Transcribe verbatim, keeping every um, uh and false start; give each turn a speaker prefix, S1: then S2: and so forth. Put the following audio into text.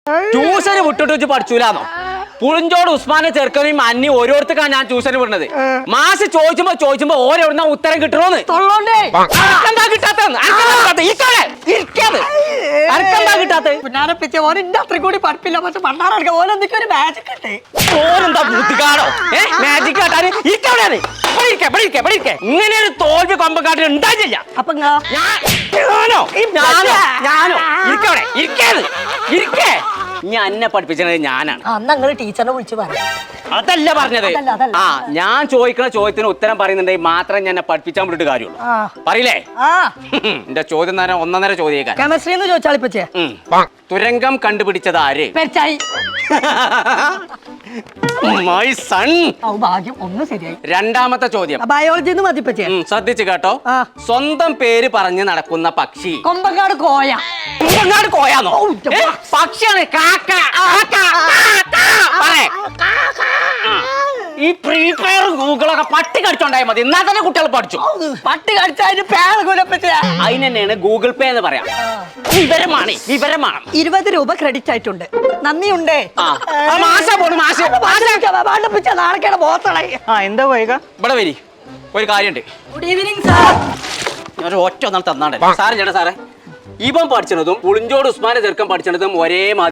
S1: ട്യൂഷന് വിട്ടിട്ട് വെച്ച് പഠിച്ചൂലാന്നോ? പുളിഞ്ചോട് ഉസ്മാനെ ചെറുക്കനെയും അന്നി ഓരോരുത്തർക്കാണ് ഞാൻ ട്യൂഷന് വിടുന്നത്. മാസ് ചോദിച്ചുമ്പോ ചോദിച്ചുമ്പോ ഓരോരുന്ന ഉത്തരം കിട്ടണോന്ന് എന്താ കിട്ടാത്തത്?
S2: കൂടി പഠിപ്പില്ല പക്ഷെ പണ്ടാറ ഓരോന്തൊക്കെ ഒരു മാജിക് ഉണ്ട്.
S1: ഓരെന്താ ബുദ്ധിക്കാണോ? മാജിക് കാട്ടാന് ഇങ്ങനെ ഒരു തോൽവി കൊമ്പക്കാട്ടിൽ ഉണ്ടായില്ല.
S2: അപ്പൊ
S1: ഞാനോ ഞാനോ ഞാനോ ഇരിക്കവിടെ ഇരിക്കാത് ഇരിക്കേ. ഞാൻ എന്നെ പഠിപ്പിച്ചത് ഞാനാണ്.
S2: അന്ന് ടീച്ചറിനെ വിളിച്ചു പറഞ്ഞു.
S1: അതല്ല പറഞ്ഞത്. ആ ഞാൻ ചോദിക്കുന്ന ചോദ്യത്തിന് ഉത്തരം പറയുന്നുണ്ടെങ്കിൽ മാത്രം ഞാൻ എന്നെ പഠിപ്പിച്ചാൻ വിട്ടിട്ട് കാര്യമുള്ളൂ. പറയില്ലേ? എന്റെ ചോദ്യം തന്നെ ഒന്നൊന്നര ചോദ്യം.
S2: കെമിസ്ട്രി എന്ന് ചോദിച്ചാൽ ഇപ്പച്ചേ
S1: തുരങ്കം കണ്ടുപിടിച്ചത് ആര്? My son.
S2: ഭാഗ്യം ഒന്ന് ശരിയായി.
S1: രണ്ടാമത്തെ ചോദ്യം
S2: ബയോളജി മതിപ്പച്ചേ.
S1: ശ്രദ്ധിച്ചു കേട്ടോ. സ്വന്തം പേര് പറഞ്ഞ് നടക്കുന്ന പക്ഷി.
S2: കൊമ്പങ്കാട് കോയ.
S1: കൊമ്പങ്കാട് കോയാന്നോ? പക്ഷിയാണ്. കാക്ക. ഈ പ്രീ ഫയർ ഗൂഗിളൊക്കെ പട്ടി കടിച്ചോണ്ടായ മതി. എന്നാ തന്നെ കുട്ടികൾ പഠിച്ചു.
S2: പട്ടി കടിച്ചതിന് പേര്
S1: അതിന് തന്നെയാണ് ഗൂഗിൾ പേ എന്ന് പറയാം. വിവരമാണ് വിവരമാണ്.
S2: ഇരുപത് രൂപ ക്രെഡിറ്റ് ആയിട്ടുണ്ട്. നന്ദിയുണ്ടേ. നാളെ ബോത്തളെ.
S1: എന്താ പോയേക്ക ഇവിടെ വരി. ഒരു കാര്യമുണ്ട്.
S2: Good evening sir.
S1: ഞാൻ ഒറ്റ ഒന്നാൾ തന്നാണ്ടേ സാറേ. ചേട്ടാ സാറേ, ഇവൻ പഠിച്ചതും പുളിഞ്ചോട് ഉസ്മാനെ ചെറുക്കൻ പഠിച്ചതും ഒരേ